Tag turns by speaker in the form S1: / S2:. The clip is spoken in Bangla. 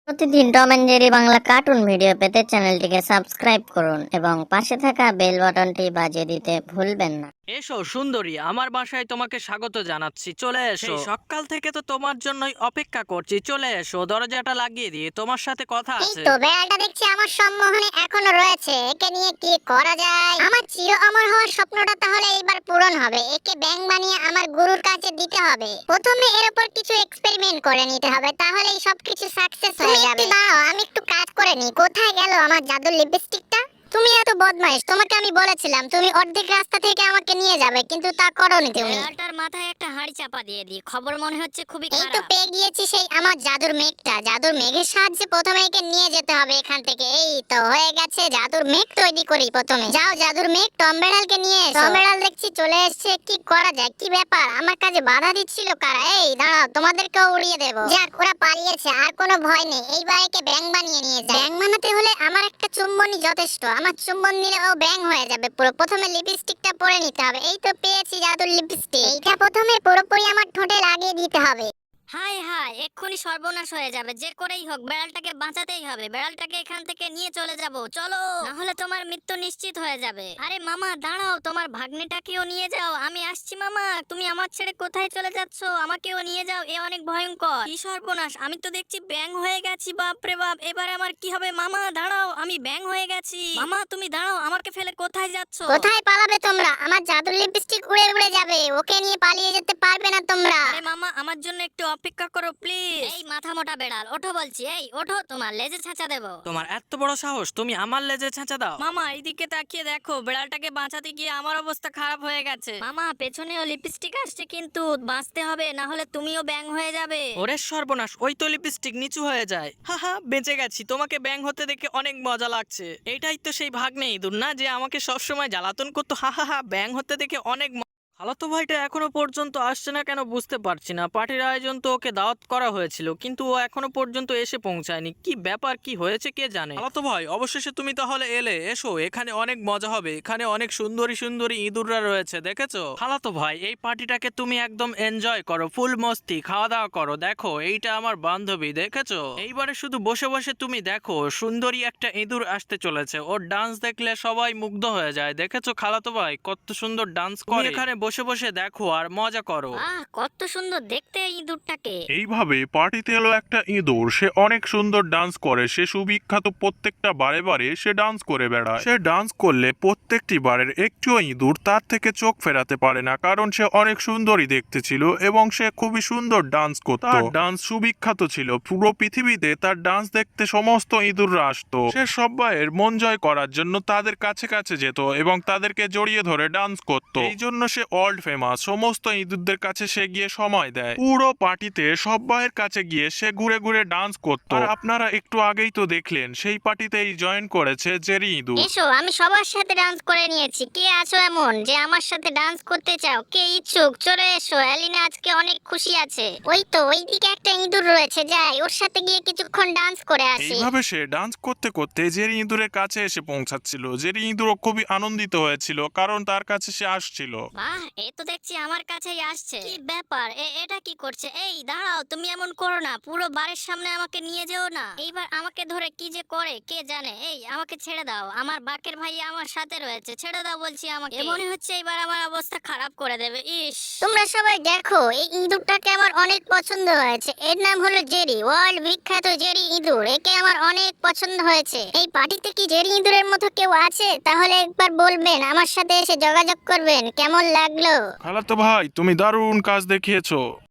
S1: প্রতিদিন Tom and Jerry Bangla cartoon video পেতে চ্যানেলটিকে সাবস্ক্রাইব করুন এবং পাশে থাকা বেল বাটনটি বাজিয়ে দিতে ভুলবেন না।
S2: এসো সুন্দরী, আমার বাসায় তোমাকে স্বাগত জানাচ্ছি। চলে এসো। সকাল থেকে তো তোমার জন্যই অপেক্ষা করছি। চলে এসো, দরজাটা লাগিয়ে দিয়ে তোমার সাথে কথা
S3: এই
S2: আছে।
S3: তো বেড়ালটা দেখছি আমার সম্মোহনে এখনো রয়েছে। একে নিয়ে কি করা যায়? আমার চির অমর হওয়ার স্বপ্নটা তাহলে এইবার পূরণ হবে। একে ব্যাঙ বানিয়ে আমার গুরুর কাছে দিতে হবে। প্রথমে এর উপর কিছু এক্সপেরিমেন্ট করে নিতে হবে, তাহলেই সবকিছু সাকসেস হয়ে যাবে। দাঁড়াও, আমি একটু কাজ করে নি। কোথায় গেল আমার জাদুর লিপস্টিকটা? তুমি এত বদমাইশ, তোমাকে আমি বলেছিলাম তুমি অর্ধেক রাস্তা থেকে আমাকে নিয়ে যাবে, কিন্তু তা করোনি তুমি।
S4: বেড়ালটার মাথায় একটা হাঁড়ি চাপা দিয়ে দিই, খবর মনে হচ্ছে খুবই
S3: এই তো
S4: খারাপ।
S3: পেয়ে গিয়েছি সেই আমার জাদুর মেঘটা। জাদুর মেঘের সাহায্যে প্রথমে একে নিয়ে যেতে হবে এখান থেকে। এই তো হয়ে গেছে, জাদুর মেঘ তৈরি করি প্রথমে। যাও জাদুর মেঘ, টম বেড়ালকে নিয়ে এসো। টম বেড়াল দেখছি চলে এসেছে। কি করা যায়? কি ব্যাপার? আমার কাছে বাধা দিচ্ছিল কারা? এই দাঁড়াও, তোমাদেরকেও উড়িয়ে দেবো। যাক, ওরা পালিয়েছে, আর কোনো ভয় নেই। এইবার একে ব্যাঙ বানিয়ে নিয়ে যায়। ব্যাঙ বানাতে হলে আমার একটা চুম্বনই যথেষ্ট। আমার চুম্বন নিলে ও ব্যাঙ হয়ে যাবে পুরো। প্রথমে লিপস্টিকটা পরে নিতে হবে। এই তো পেয়েছি জাদুর লিপস্টিক। এইটা প্রথমে পুরোপুরি আমার ঠোঁটে লাগিয়ে দিতে হবে।
S4: হাই হাই, এক্ষুনি সর্বনাশ হয়ে যাবে। যে করেই হোক বেড়ালটাকে বাঁচাতেই হবে। বেড়ালটাকে এখান থেকে নিয়ে চলে যাব, চলো, না হলে তোমার মৃত্যু নিশ্চিত হয়ে যাবে। আরে মামা দাঁড়াও, তোমার ভাগ্নেটাকেও নিয়ে যাও। আমি আসছি মামা। তুমি আমার ছেড়ে কোথায় চলে যাচ্ছ? আমাকেও নিয়ে যাও, এ অনেক ভয়ঙ্কর। কি সর্বনাশ, আমি তো দেখছি ব্যাঙ হয়ে গেছি। বাপ রে বাপ, এবার আমার কি হবে? মামা দাঁড়াও, আমি ব্যাঙ হয়ে গেছি। মামা তুমি দাঁড়াও, আমাকে ফেলে কোথায় যাচ্ছ?
S3: কোথায় পালাবে তোমরা? আমার জাদুর লিপস্টিক উড়ে উড়ে যাবে। ওকে নিয়ে পালিয়ে যেতে পারবে না তোমরা।
S4: আরে মামা, আমার জন্য একটু অপেক্ষা করো প্লিজ। এই মাথা মোটা বেড়াল, ওঠো বলছি। এই ওঠো, তোমার লেজে ছাঁচা দেবো।
S2: তোমার এত বড় সাহস, তুমি আমার লেজে ছাঁচা দাও? মামা এইদিকে তাকিয়ে দেখো, বেড়ালটাকে বাঁচাতে গিয়ে আমার অবস্থা খারাপ হয়ে গেছে।
S4: মামা পেছনেও লিপস্টিক আসছে, কিন্তু বাঁচতে হবে, না হলে তুমিও ব্যাং হয়ে যাবে।
S2: ওরে সর্বনাশ, ওই তো লিপস্টিক নিচু হয়ে যায়। হাহা, বেঁচে গেছি। তোমাকে ব্যাং হতে দেখে অনেক মজা লাগছে। এইটাই তো সেই ভাগ্নে ইঁদুর না, যে আমাকে সবসময় জ্বালাতন করতো। হাহা, ব্যাং হতে দেখে অনেক খালাতো ভাইটা এখনো পর্যন্ত আসছে না কেন বুঝতে পারছি না। পার্টির আয়োজন তো ওকে দাওয়াত করা হয়েছিল, কিন্তু ও এখনো পর্যন্ত এসে পৌঁছায়নি। কি ব্যাপার, কি হয়েছে কে জানে। খালাতো ভাই, অবশেষে তুমি তাহলে এলে। এসো, এখানে অনেক মজা হবে। এখানে অনেক সুন্দরী সুন্দরী ইঁদুররা রয়েছে, দেখেছো? খালাতো ভাই, এই পার্টিটাকে তুমি একদম এনজয় করো, ফুল মস্তি, খাওয়া দাওয়া করো। দেখো, এইটা আমার বান্ধবী, দেখেছো? এইবারে শুধু বসে বসে তুমি দেখো, সুন্দরী একটা ইঁদুর আসতে চলেছে। ওর ডান্স দেখলে সবাই মুগ্ধ হয়ে যায়। দেখেছো খালাতো ভাই, কত সুন্দর ডান্স করে। এখানে বসে বসে দেখো আর মজা করো।
S4: আহ, কত সুন্দর দেখতে এই ইঁদুরটাকে।
S5: এইভাবে পার্টিতে এলো একটা ইঁদুর। সে অনেক সুন্দর ডান্স করে। সে সুবিখ্যাত, প্রত্যেকটা বারে বারে সে ডান্স করে বেড়ায়। সে ডান্স করলে প্রত্যেকটি বারের একটিও ইঁদুর তার থেকে চোখ ফেরাতে পারে না, কারণ সে অনেক সুন্দরী দেখতে ছিল এবং সে খুবই সুন্দর ডান্স করত। তার ডান্স সুবিখ্যাত ছিল। পুরো পৃথিবীতে তার ডান্স দেখতে সমস্ত ইঁদুররা আসতো। সে সবাইয়ের মন জয় করার জন্য তাদের কাছে কাছে যেত এবং তাদেরকে জড়িয়ে ধরে ডান্স করত। এই জন্য সে ওয়ার্ল্ড ফেমাস। সমস্ত ইঁদুরদের কাছে সে গিয়ে সময় দেয়। পুরো পার্টিতে সবাইয়ের কাছে গিয়ে সে ঘুরে ঘুরে ডান্স করত। আর আপনারা একটু আগেই তো দেখলেন, সেই পার্টিতেই জয়েন করেছে জেরি ইঁদুর।
S3: এসো, আমি সবার সাথে ডান্স করে নিয়েছি। কে আছো এমন যে আমার সাথে ডান্স করতে চাও? কে ইচ্ছুক? চলে এসো। এলিনা আজকে অনেক খুশি আছে। ওই তো ওইদিকে একটা ইঁদুর রয়েছে, যাই ওর সাথে গিয়ে কিছুক্ষণ ডান্স করে আসি।
S5: এইভাবে সে ডান্স করতে করতে জেরি ইঁদুরের কাছে এসে পৌঁছাচ্ছিল। জেরি ইঁদুরও খুবই আনন্দিত হয়েছিল, কারণ তার কাছে সে আসছিল।
S4: বাহ, এ তো দেখছি আমার কাছেই আসছে। কি ব্যাপার, এটা কি করছে? এই দাঁড়াও, তুমি এমন করো না। পুরো বাড়ির সামনে আমাকে নিয়ে যেও না। এইবার আমাকে ধরে কি যে করে কে জানে। এই আমাকে ছেড়ে দাও, আমার বাকের ভাই আমার সাথে রয়েছে। ছেড়ে দাও বলছি আমাকে। এ মনে হচ্ছে এবার আমার অবস্থা খারাপ করে দেবে। ইস,
S3: তোমরা সবাই দেখো, এই ইঁদুরটাকে আমার অনেক পছন্দ হয়েছে। এর নাম হলো জেরি, ওয়ার্ল্ড বিখ্যাত জেরি ইঁদুর। একে আমার অনেক পছন্দ হয়েছে। এই পার্টিতে কি জেরি ইঁদুরের মতো কেউ আছে? তাহলে একবার বলবেন, আমার সাথে এসে যোগাযোগ করবেন। কেমন লাগলো?
S5: খালাতো ভাই, তুমি দারুণ কাজ দেখিয়েছো।